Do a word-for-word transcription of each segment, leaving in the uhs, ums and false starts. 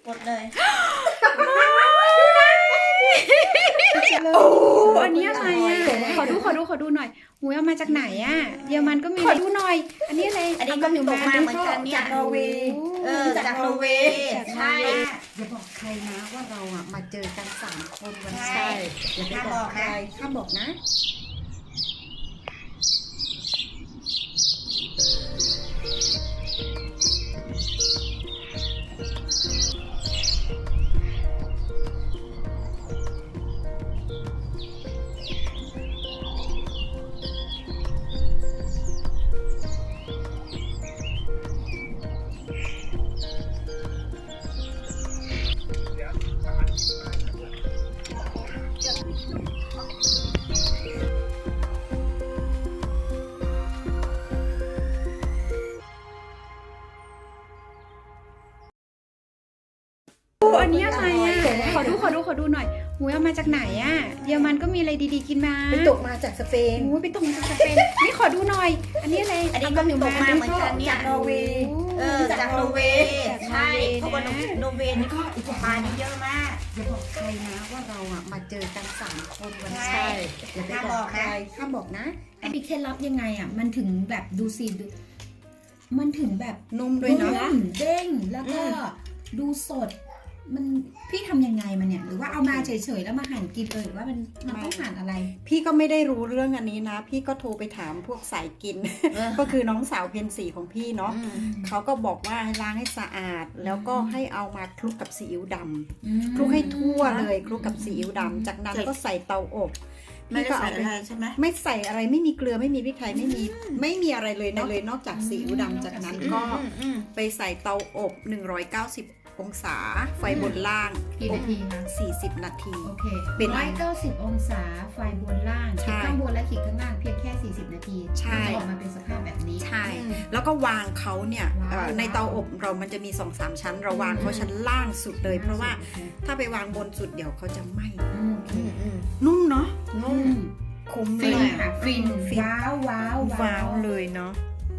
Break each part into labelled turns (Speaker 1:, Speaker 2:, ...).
Speaker 1: กดเลย
Speaker 2: โอ้อันนี้อะไรอ่ะขอดูขอดูขอดูหน่อยหูเอามาจากไหนอ่ะเยอรมันก็มีขอดูหน่อย อันนี้อะไร
Speaker 1: อันนี้ก็มีตกมาเหมือนกันเนี่ย
Speaker 3: จากนอร์เวย์
Speaker 1: เออจากนอร์เวย์ใช่
Speaker 3: อย่าบอกใครนะว่าเราอ่ะมาเจอกันสามคนวันนี้
Speaker 1: ใช่
Speaker 3: อย่าไปบอกใครห้ามบอกนะ
Speaker 2: โอ้อันนี้อะไรอ่ะขอดูขอดูขอดูหน่อยหูเอามาจากไหนอ่ะเยอรมันก็มีอะไรดีๆกินมา
Speaker 3: ไปตกมาจากสเปน
Speaker 2: หูไปตกมาจากสเปนนี่ขอดูหน่อย อันนี้อะไร
Speaker 1: อันนี้ก็มีตกมาเหมือนกันเนี่ย
Speaker 3: จากนอร์เวย์
Speaker 1: เออจากนอร์เวย์ใช่เพราะว่านอร์เวย์นี่ก็ปลานี่เยอะมาก
Speaker 3: อย่าบอกใครนะว่าเราอ่ะมาเจอกันสามคนวันนี้
Speaker 1: ใช่
Speaker 3: อย่าไปบอกใครห้ามบอกนะ
Speaker 4: มีเคล็ดลับยังไงอ่ะ มันถึงแบบดูสิดูมันถึงแบบ
Speaker 3: นุ่มด้วยเนาะ
Speaker 4: นุ่มเด้ง แล้วก็ดูสด มันพี่ทำยังไงมันเนี่ย หรือว่าเอามาเฉยๆแล้วมาหั่นกินเลยหรือว่ามันมันต้องหั่นอะไร
Speaker 3: พี่ก็ไม่ได้รู้เรื่องอันนี้นะ พี่ก็โทรไปถามพวกสายกิน ก็คือน้องสาวเพนสีของพี่เนาะ เขาก็บอกว่าให้ล้างให้สะอาด แล้วก็ให้เอามาคลุกกับซีอิ๊วดำคลุกให้ทั่วเลยคลุกกับซีอิ๊วดำจากนั้นก็ใส่เตาอบ
Speaker 1: ไม่
Speaker 3: พี่
Speaker 1: ได้
Speaker 3: ก็
Speaker 1: ใส่
Speaker 3: เอา
Speaker 1: อะ
Speaker 3: ไป
Speaker 1: ไรใช่ไหม
Speaker 3: ไม่ใส่อะไรไม่มีเกลือไม่มีพริกไทยไม่มีไม่มีอะไรเลยนะเลยนอกจากซีอิ๊วดำจากนั้นก็
Speaker 1: อืมอืม
Speaker 3: ไปใส่เตาอบหนึ่งร้อยเก้าสิบองศาไฟบนล่าง
Speaker 4: กี่นาทีคะ
Speaker 3: สี่สิบนาที
Speaker 4: โอเค
Speaker 3: เป็น
Speaker 4: ร้อยเก้าสิบองศาไฟบนล่าง
Speaker 3: ใช่
Speaker 4: ขีดข้างบนและขีดข้างล่างเพียงแค่สี่สิบนาที
Speaker 3: ใช่
Speaker 4: ก็จะออกมาเป็นสภาพแบบนี้
Speaker 3: ใช่ แล้วก็วางเขาเนี่ย
Speaker 4: ว้าว
Speaker 3: เอ่อในเตาอบเรามันจะมีสองสามชั้น เราวางเขาชั้นล่างสุดเลย เพราะว่าถ้าไปวางบนสุดเดี๋ยวเขาจะไหม้
Speaker 4: อืมโอเค
Speaker 1: อืมอืม
Speaker 3: นุ่มเนาะ
Speaker 1: นุ่ม
Speaker 3: คุ้มเล
Speaker 4: ฟิน
Speaker 3: ย
Speaker 4: ค่ะ
Speaker 3: อะ
Speaker 4: ฟิน
Speaker 3: ฟิน
Speaker 4: ว้าวว้าว
Speaker 3: ว้าวเลยเนาะ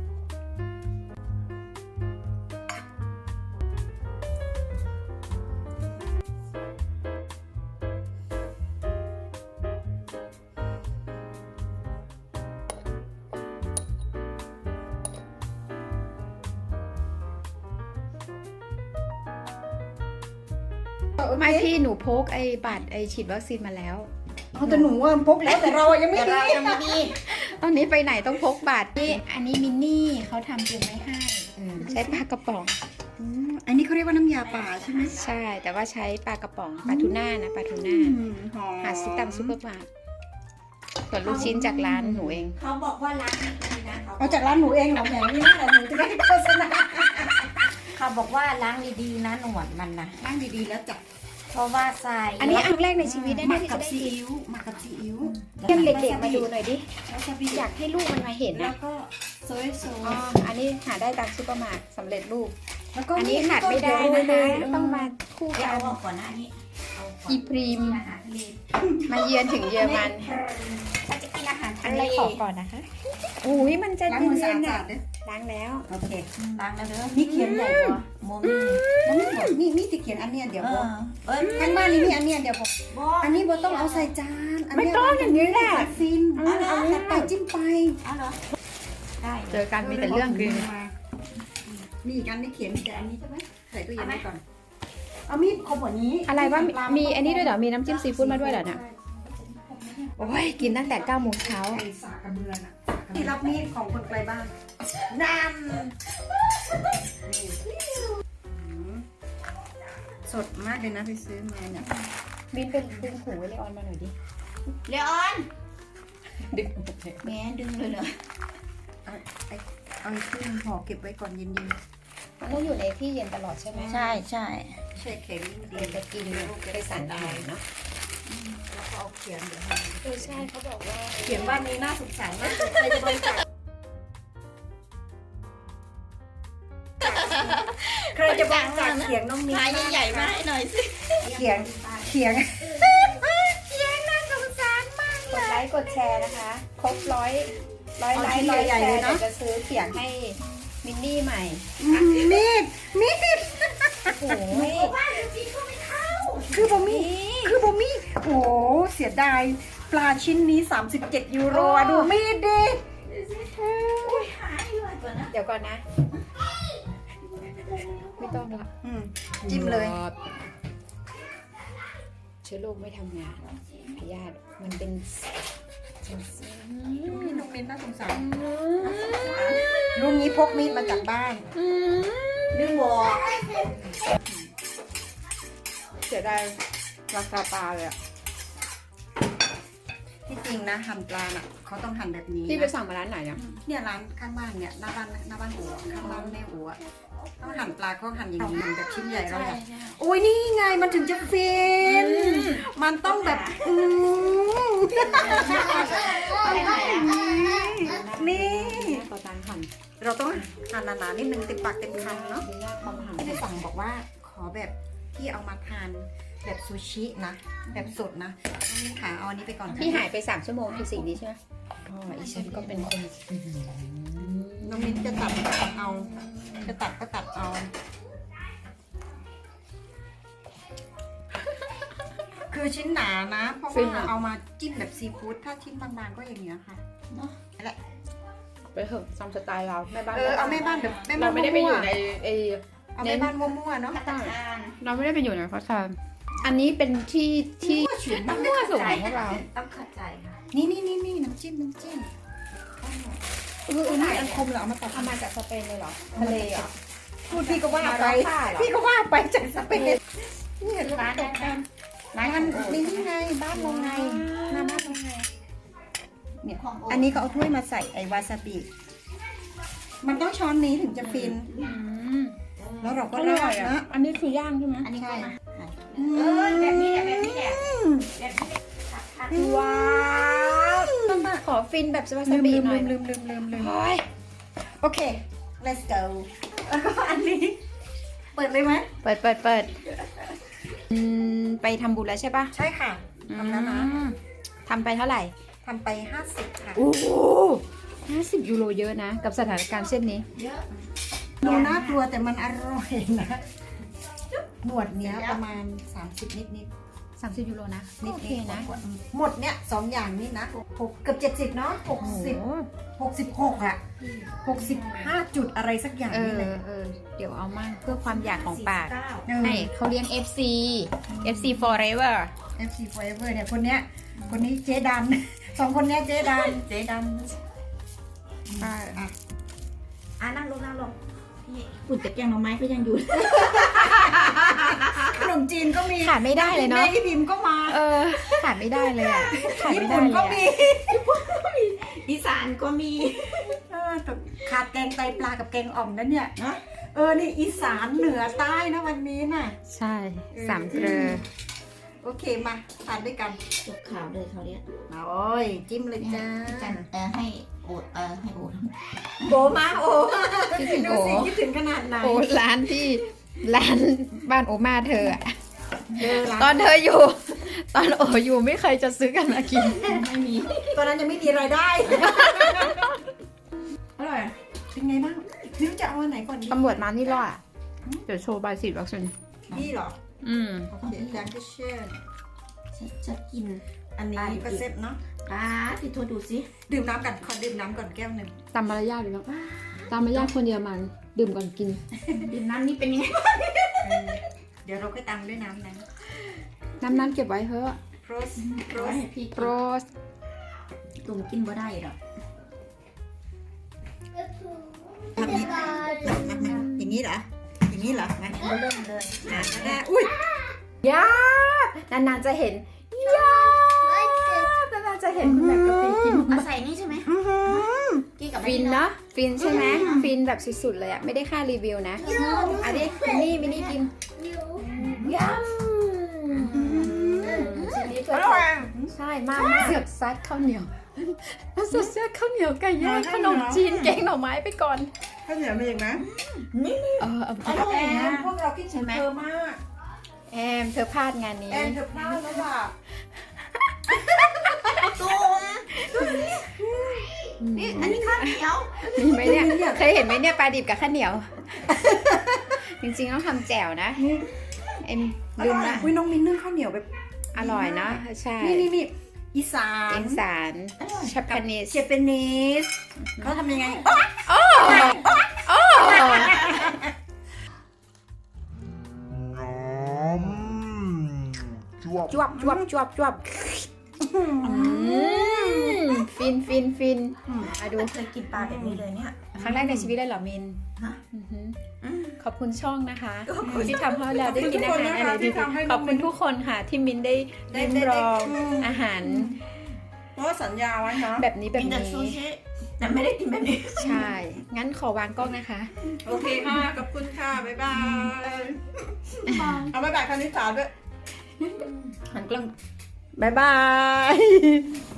Speaker 2: ไม่พี่หนูพกไอ้บัตรไอ้ฉีดวัคซีนมาแล้ว
Speaker 3: เอาแต่หนูว่าพกแล้วแต่เราอะยังไม่
Speaker 1: แต่
Speaker 3: มี
Speaker 1: เรายังไม่มี
Speaker 2: ตอนนี้ไปไหนต้องพกบัตร
Speaker 4: นี่อันนี้มินนี่เขาทำปรุงไว้ให้
Speaker 3: เออ
Speaker 2: ใช้ปลากระป๋อง
Speaker 3: อืมอันนี้เขาเรียกว่าน้ำยาป่าใช่ไหม
Speaker 2: ใช่ แต่ว่าใช้ปลากระป๋องปลาทูน่านะปลาทูน่า
Speaker 3: อืมหอม
Speaker 2: หาซื้อตามซุปเปอร์มาร์ทส่วนลูกชิ้นจากร้านหนูเอง
Speaker 1: เขาบอกว่าร้านนี้ดีนะเขา
Speaker 3: เอาจากร้านหนูเองเหรอแหมนี่น่าหนูจะได้โฆษณา
Speaker 1: เขาบอกว่าล้างดีๆนะหนวดมันนะ
Speaker 3: ล้างดีๆแล้วจับ
Speaker 1: เพราะว่าใส่
Speaker 2: อันนี้ครั้งแรกในชีวิตได้
Speaker 3: ห
Speaker 2: ไหม
Speaker 3: มัก
Speaker 2: ที่
Speaker 3: กั
Speaker 2: จะ
Speaker 3: บ
Speaker 2: ได้
Speaker 3: ซี
Speaker 2: กิน
Speaker 3: อิ๊วหมักกับซีอิ๊ว
Speaker 2: เรียกเด็กๆมาดูหน่อยดิ
Speaker 3: แล้วจะบี
Speaker 2: อยากให้ลูกมันมาเห็น
Speaker 3: แล้
Speaker 2: นะ
Speaker 3: วก็โซยโซ
Speaker 2: อ๋ออันนี้หาได้ตามซุปเปอร์มาร์ทสำเร็จรูป
Speaker 3: แล้วก็
Speaker 2: อันนี้ขาดไม่ได้นะคะต้องมาคู่
Speaker 1: เดี๋ยว
Speaker 2: กัน
Speaker 1: เอาออกก่อนหน้านี้เอาก่อน
Speaker 2: อีพรีม
Speaker 1: อาหารทะเล
Speaker 2: มาเยือนถึงเยอรมัน
Speaker 1: ถ้าจะกินอาหาร
Speaker 2: อั
Speaker 1: ทะ
Speaker 2: น
Speaker 1: เล
Speaker 2: นี้ขอก่อนนะคะอุ้ยมันจะ
Speaker 3: ล้างมือสะ
Speaker 2: เย็นๆ
Speaker 3: อา
Speaker 2: อ่ะ
Speaker 3: ดๆเด้อ
Speaker 2: ล้างแล้ว
Speaker 3: โอเค
Speaker 1: ล้างแล้วเด้อ
Speaker 3: นี่เขียนใหญ่กว่า
Speaker 1: โมมี่
Speaker 3: แล้วนี่บอกนี่นี่จะเขียนอันเนี้ยเดี๋ยว
Speaker 1: เอ
Speaker 3: บอก
Speaker 1: อเอ้ย
Speaker 3: ข้างบ้านนี่มีอันเนี้ยเดี๋ยวบอก
Speaker 1: บอก
Speaker 3: อันนี้โบต้องเอาใส่จาน
Speaker 2: ไม่ต้องอย่างนี้แหละ
Speaker 3: ฟิน
Speaker 1: เอาเหรอ
Speaker 3: เอาไปจิ้มไป
Speaker 1: เอาเหรอได้
Speaker 2: เจอกันมีแต่เรื่องกิน
Speaker 3: มีอีกอันนี่เขียนแต่อันนี้ใช่ไหมใส่ตู้เย็นไว้ก่อน เอามีดคมกว่านี้
Speaker 2: อะไรว่ามีมีอันนี้ด้วยเหรอ มีน้ำจิ้มซีฟู้ดมาด้วยเหรอเนี่ยโอ้ยกินตั้งแต่เก้าโมงเช้า
Speaker 3: ไอ้สากกระเบือน่ะที่รับมีดของคนไกลบ้าน
Speaker 1: นั่น
Speaker 3: สดมากเลยนะไปซื้อมาเนี่ย
Speaker 2: บินเป็นดึงหูไว้เลยออนมาหน่อยดิ
Speaker 1: เลออน
Speaker 2: ดึง
Speaker 1: แม่ดึงเลยเหรอ
Speaker 3: เอาไอ้เอาไอ้ที่ห่อเก็บไว้ก่อนเย็น
Speaker 2: มันต้องอยู่ในที่เย็นตลอดใช่ไหม
Speaker 1: ใช่ใช่
Speaker 3: ๆแช่แข็งดี
Speaker 2: เดี๋ยวจะกินไปสั่นได้เนาะ
Speaker 3: แล้วก็เอาเขียนเดี๋ยวให้
Speaker 2: เออใช่เขาบอกว่า
Speaker 3: เขียนว่านี้น่าสงสารมากใครจะบริจาคใครจะบริจาคเขียงน้องมิ้น
Speaker 1: ลายใหญ่ๆมาให้หน่อยสิ
Speaker 3: เขียงเขียง
Speaker 2: กดไลค์กดแชร์นะคะ ครบร้อยร้อยไลค์ร้อยแชร์เดี๋ยวจะซื้อเขียงให้มินนี่ใหม่
Speaker 3: มีดมีด
Speaker 1: โอ้ย
Speaker 3: คือบะหมี่คือบะหมี่โอ้เสียดายปลาชิ้นนี้ สามสิบเจ็ด ยูโรอะดูมีดดิ
Speaker 2: เดี๋ยวก่อนนะ ไม่ต้องละ
Speaker 3: อืมจิ้มเลย
Speaker 2: เชื้อโรคไม่ทำงานพยาธิมันเป็น
Speaker 3: นี่น้องมิ้นน่าสงสารลุงนี้พกมีดมาจากบ้าน
Speaker 1: ดึงบอก
Speaker 2: เสียดายราคาปลาเลยอะ
Speaker 3: ที่จริงนะหั่นปลาน่ะเขาต้องหั่นแบบนี้
Speaker 2: ที่ไป
Speaker 3: นะ
Speaker 2: สั่งมาร้านไหนอะ
Speaker 3: เนี่ยร้านข้างบ้านเนี่ยหน้าบ้านหน้าบ้านหัวข้างบ้านแม่หัวต้องหั่นปลาเขาหั่นอย่างนี้แบบชิ้นใหญ่เราเนี่ยโอ้ยนี่ไงมันถึงจะฟินมันต้องแบบอืมนี่
Speaker 2: ต่อจานหั่น
Speaker 3: เราต้องหั่นหนาๆนิดนึงเต็มปากเต็มคำเนาะ
Speaker 2: ดียากความหั่น
Speaker 3: ที่สั่งบอกว่าขอแบบที่เอามาทานแบบซูชินะแบบสดนะนี่ค่ะเอาอันนี้ไปก่อนค่ะ
Speaker 2: ที่หายไปสามชั่วโมงคือสิ่งนี้ใช่ไหมอ๋ออีฉันก็เป็นคน
Speaker 3: น้องมิ้นจะตัดก็ตัดเอา จะตัดก็ตัดเอา คือชิ้นหนานะ เพราะว่าเอามาจิ้มแบบซีฟู้ดถ้าชิ้นบางๆก็อย่างเงี้ยค่ะเนาะแหละ
Speaker 2: ไปเถอะตามสไตล์เราแม่บ้าน
Speaker 3: เออเอาแม่บ้านแบบแม่บ้า
Speaker 2: เรา
Speaker 3: น
Speaker 2: ไม่ได้ไปอยู่ในไอ
Speaker 3: เอาแม่บ้านมั่วๆเนาะ
Speaker 2: เราไม่ได้ไปอยู่ในเขาทานอันนี้เป็นที่ที่
Speaker 3: ต้อง
Speaker 2: มั่วสุดของพวกเรา
Speaker 1: ต้องเข้าใจค่ะ
Speaker 3: นี่นี่นี่นี่น้ำจิ้มน้ำจิ้มเออเออนี่อันคมเหรอเอามาตัด
Speaker 2: เอามาจากสเปนเลยเหรอทะเลเหรอ
Speaker 3: พูดพี่ก็ว่าไป
Speaker 2: มาร้านผ้าเหรอ
Speaker 3: พี่ก็ว่าไปจากสเปนนี่เห็น
Speaker 1: ร้าน
Speaker 3: ต
Speaker 1: ได้
Speaker 3: ก
Speaker 1: ไหม
Speaker 3: กันร้านนี่ไงบ้านลงไงหน้าบ้านลงไงเนี่ยอันนี้เขาเอาถ้วยมาใส่ไอวาซาบิมันต้องช้อนนี้ถึงจะฟิน
Speaker 2: อืม
Speaker 3: แล้วเราก็
Speaker 2: อ
Speaker 3: รา
Speaker 2: ร่อย
Speaker 3: ด
Speaker 2: อ่ะ
Speaker 3: นะ
Speaker 2: อันนี้คือย่างใช่ไหม
Speaker 1: อันนี้ก็มา
Speaker 3: เอ
Speaker 1: เออแบบนี้แหละแบบนี้แหละแบบนี้ตัดคัด
Speaker 2: ว้าวขอฟินแบบสบาย
Speaker 3: ลืม
Speaker 2: ๆ
Speaker 3: ลืม
Speaker 2: หน่อย
Speaker 3: ลืมลืมลืมลืมลืม
Speaker 2: โอ้ย
Speaker 3: โอเค let's go แล้วก็อันนี้ เปิดเลยไหม
Speaker 2: เปิดเปิดเปิดอืมไปทำบุญแล้วใช่ปะ
Speaker 3: ใช่ค่ะทำแล้วนะ
Speaker 2: อืมทำไปเท่าไหร่
Speaker 3: ทำไปห้าสิบค่ะ
Speaker 2: โอ้โหห้าสิบยูโรเยอะนะ กับสถานการณ์เช่นนี้
Speaker 1: เยอะ
Speaker 3: ดูน่ากลัวแต่มันอร่อยนะหนวดเนี้ยประมาณ สามสิบนิดนิด
Speaker 2: สามสิบยูโรนะ
Speaker 3: นิด
Speaker 2: โอเค
Speaker 3: นิด
Speaker 2: นะ
Speaker 3: หมดเนี้ยสองอย่างนี่นะหกเกือบเจ็ดสิบเนาะหก
Speaker 2: โอ้โห
Speaker 3: สิบหกสิบหกอ่ะหกสิบห้าจุดอะไรสักอย่าง
Speaker 2: เอ
Speaker 3: นี่
Speaker 2: อ
Speaker 3: เลย
Speaker 2: เออ เดี๋ยวเอามั่งเพื่อความอยากของปาก
Speaker 1: สี่สิบเก้า
Speaker 3: เออ
Speaker 2: ให้เขาเลี้ยง เอฟ ซี เอฟ ซี forever
Speaker 3: เอฟ ซี Forever เนี่ยคนเนี้ยคนนี้เจ๊ดัน สองคนเนี้ยเจ๊ดันเจ๊ดัน
Speaker 2: อ่า
Speaker 3: อ่ะ
Speaker 1: อ่ะนั่งลงนั่งลงพี่อุ่นแต่แกงหน่อไม้ก็ยังอยู่
Speaker 3: ขนมจีนก็มี
Speaker 2: ขาดไม่ได้เลยเนาะ
Speaker 3: แม่อีพิมก็มา
Speaker 2: เออ ขาดไม่ได้เลยอ่ะ ขาด
Speaker 3: ญี่
Speaker 2: ไม่ได้
Speaker 3: ปุ่น
Speaker 2: เล
Speaker 3: ก็
Speaker 2: ย
Speaker 3: มี
Speaker 2: อะ
Speaker 1: อีสานก็มี
Speaker 3: เออแต่ขาดแกงไตปลากับแกงอ่อมนั่นเนี่ยนะเออนี่อีสานเหนือใต้นะวันนี้น่ะ
Speaker 2: ใช่ สามเกลือ
Speaker 3: โอเคมาทานด้วยกัน
Speaker 1: จบข่าวเลยเขาวเนี้ย
Speaker 3: มาโอ้ยจิ้มเลยจ้า
Speaker 1: จันเออให้โอดเออให้โอด
Speaker 3: โบมาโอ้
Speaker 2: คิดถึง
Speaker 3: ดู
Speaker 2: โอ
Speaker 3: สิคิดถึงขนาดไหน
Speaker 2: โอ้ร้านที่ร้านบ้านโอมาเธออะ
Speaker 3: เออร้าน
Speaker 2: ตอนเธออยู่ ตอนโออยู่ไม่เคยจะซื้อกันมากิน
Speaker 1: ไม่มี
Speaker 3: ตอนนั้นยังไม่มีรายได้
Speaker 1: อร่อย
Speaker 3: เป็นไงบ้างนิ้วจะเอาอันไหนก่อนดี
Speaker 2: ตำรวจมานี่รอดอะเดี๋ยวโชว์ใบสีวัคซีน
Speaker 3: นี่เหรอ
Speaker 2: อืม
Speaker 3: โอเคดังก็เชิญ
Speaker 1: ฉันจะกิน
Speaker 3: อันนี้ก็เซฟเนาะ
Speaker 1: อ่าพี่โทรดูสิ
Speaker 3: ดื่มน้ำกันขอดื่มน้ำก่อนแก้วหนึ่ง
Speaker 2: ตามมารยาทเลยเนาะตามมารยาทคนเยอรมันดื่มก่อนกิน
Speaker 1: ดื่มน้ำนี่เป็นยังไง
Speaker 3: เออเดี๋ยวเราค่อยตังด้วยน้ำนั้น
Speaker 2: น้ำนั้นเก็บไว้เถอะ
Speaker 3: โรสโร
Speaker 1: ร้อย
Speaker 3: ส
Speaker 1: ให้พี่
Speaker 2: โรส
Speaker 1: ตุ่มกินบ่ได้หรอก
Speaker 3: ทำนี้มามาอย่างนี้เหรอ อย่างนี้เหรอมา
Speaker 1: เริ่มเลย
Speaker 3: อ่ะได้อุ้ย
Speaker 2: ยานานๆจะเห็นยานานๆจะเห็นคุณแบบกะปิกิน
Speaker 1: เอาใส่นี่ใช่ไหม
Speaker 3: อื้อหือ
Speaker 1: กินกับ
Speaker 2: ฟินเนาะฟินใช่ไหมฟินแบบสุดๆเลยอะไม่ได้ค่ารีวิวนะอันนี้มินี่มินี่กินยำชิ้นนี้เพื่
Speaker 3: อ
Speaker 2: อ
Speaker 3: ร่อย
Speaker 2: ใช่มากมากเสือกซัดข้าวเหนียวแล้วสุดเสือกข้าวเหนียวไก่ย่างขนมจีนแกงหน่อไม้ไปก่อน
Speaker 3: ข้าวเหนียวมีอีกนะ
Speaker 2: เออเอา
Speaker 1: อร่อย
Speaker 3: แอ
Speaker 1: นะ
Speaker 3: มพวกเราคิดถึงเธอมาก
Speaker 2: แอมเธอพลาดงานนี้
Speaker 3: แอมเธอพลาดแล้วล่ะ
Speaker 1: ตุ่มนี่อันนี้ข้าวเหนียว
Speaker 2: มีไหมเนี่ยเคยเห็นไหมเนี่ยปลาดิบกับข้าวเหนียว
Speaker 3: เ
Speaker 2: จริงๆต้องทำแจ่วนะเอ็มลืมละ
Speaker 3: อุ้ยน้องมินนึ่งข้าวเหนียวแบบ
Speaker 2: อร่อยเนาะใช่
Speaker 3: นี่นี่นี่อีสาน
Speaker 2: เอ็นสารชาปานิส
Speaker 3: เจแปนิสเขาทำยังไง
Speaker 2: โอ้โอ้
Speaker 5: จวบ
Speaker 2: จวบจวบจวบจวบอืมฟินฟินฟินมาดู
Speaker 1: ไม่เคยกินปลาแบบนี้เลยเนี่ย
Speaker 2: ครั้งแรกในชีวิตเลยเหรอมิน
Speaker 1: ฮะ
Speaker 2: อือหือ
Speaker 1: อืม
Speaker 2: ขอบคุณช่องนะคะ
Speaker 1: ขอบคุณ
Speaker 2: ที่ทำให้เราได้กินอาหารอะไรดีๆขอบคุณทุกคนค่ะที่มินได้
Speaker 3: ได้
Speaker 2: ลิ้ม
Speaker 3: ได้
Speaker 2: ลอง
Speaker 3: ได้
Speaker 2: อาหาร
Speaker 3: เพราะว่าสัญญาไว้นะ
Speaker 2: แบบนี้แบบ
Speaker 1: กินแต่
Speaker 2: นี้
Speaker 1: ซูชิแต่ไม่ได้กินแบบนี้
Speaker 2: ใช่ งั้นขอวางกล้องนะคะ
Speaker 3: โอเคค่ะ ขอบคุณค่ะ บ๊ายบาย เอาบ๊ายบายคณิตศาสตร์ด้วย
Speaker 1: หันกล้อง
Speaker 3: บ๊ายบาย